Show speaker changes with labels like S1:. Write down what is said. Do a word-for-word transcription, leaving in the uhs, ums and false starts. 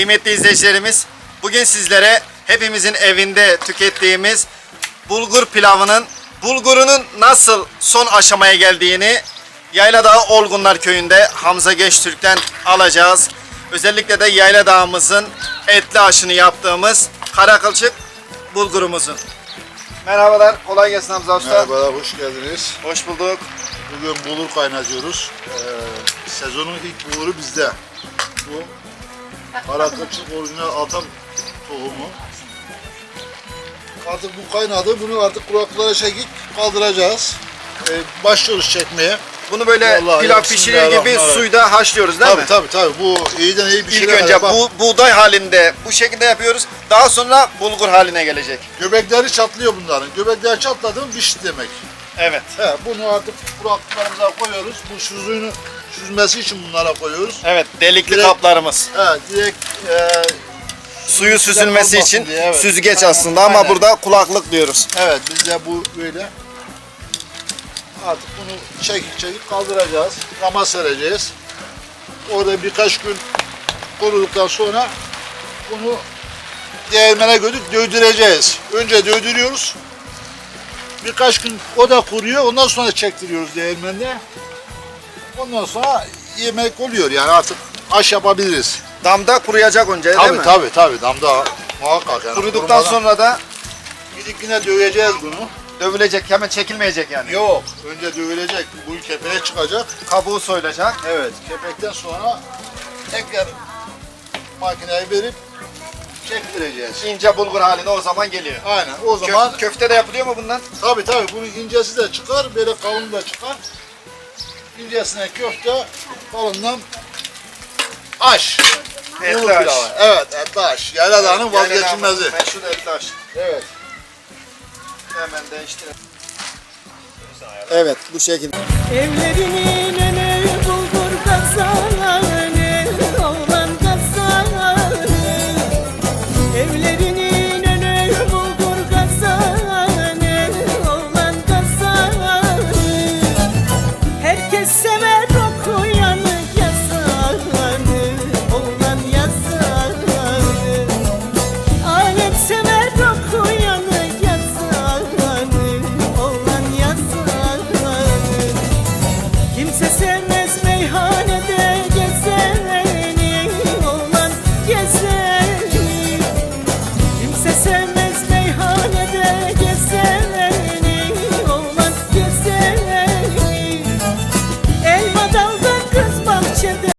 S1: Kıymetli izleyicilerimiz, bugün sizlere hepimizin evinde tükettiğimiz bulgur pilavının bulgurunun nasıl son aşamaya geldiğini Yayladağ Olgunlar Köyü'nde Hamza Gençtürk'ten alacağız. Özellikle de Yayladağ'ımızın etli aşını yaptığımız karakılçık bulgurumuzun. Merhabalar, kolay gelsin Hamza Usta.
S2: Merhabalar, hoş geldiniz.
S1: Hoş bulduk.
S2: Bugün bulgur kaynatıyoruz. Ee, sezonun ilk bulguru bizde. Bu karakılçık orijinal atam tohumu. Artık bu kaynadı. Bunu artık kulaklara çekip kaldıracağız. Ee, başlıyoruz çekmeye.
S1: Bunu böyle
S2: Vallahi
S1: pilav pişirir gibi suyda haşlıyoruz değil
S2: tabii,
S1: mi?
S2: Tabii tabii. Bu iyiden iyi bir şey.
S1: İlk önce bu buğday halinde bu şekilde yapıyoruz. Daha sonra bulgur haline gelecek.
S2: Göbekleri çatlıyor bunların. Göbekler çatladı mı pişti demek.
S1: Evet.
S2: He, bunu artık kulaklarımıza koyuyoruz. Bu süzüğünü süzmesi için bunlara koyuyoruz.
S1: Evet, delikli
S2: Direkt-
S1: kaplarımız.
S2: Evet, direkt e,
S1: Suyu süzülmesi
S2: olmasın
S1: için
S2: diye, evet.
S1: süzgeç
S2: Aynen,
S1: aslında ama
S2: aynen.
S1: burada kulaklık diyoruz.
S2: evet bizde bu böyle. Artık bunu çekip çekip kaldıracağız. Rama sereceğiz. Orada birkaç gün kuruduktan sonra bunu değirmene götürüp dövdüreceğiz. Önce dövdürüyoruz. Birkaç gün o da kuruyor. Ondan sonra çektiriyoruz değirmende. Ondan sonra yemek oluyor yani artık aş yapabiliriz.
S1: Damda kuruyacak önce değil
S2: Tabii
S1: mi?
S2: tabii tabii damda muhakkak yani.
S1: Kuruduktan
S2: kurumadan-
S1: sonra da
S2: gidip yine döveceğiz bunu.
S1: dövülecek, hemen çekilmeyecek yani.
S2: Yok. Önce dövülecek. Bu kepeğe çıkacak.
S1: Kabuğu soyulacak.
S2: Evet. Kepekten sonra tekrar makineye verip çektireceğiz.
S1: İnce bulgur haline o zaman geliyor.
S2: Aynen. O
S1: Kö-
S2: zaman
S1: köfte de yapılıyor mu bundan?
S2: tabii tabii bunun incesi de çıkar. Böyle kalın da çıkar. İncesine köfte, kalından aş.
S1: Etli
S2: Bulgur
S1: aş.
S2: pilavı. Evet, etli aş. Yayladağ'ın vazgeçilmezi.
S1: Yayladağ'ın Meşhur etli aş.
S2: Evet.
S1: Hemen değiştirelim. Evet, bu şekilde.
S3: Evlerinin önü bulgur kazanı, oğlan kazanı. Evlerinin önü bulgur kazanı, oğlan kazanı. Herkes sever okuyanı, yazanı, oğlan yazanı. Alem sever okuyanı, yazanı, oğlan yazanı. Kimse sevmez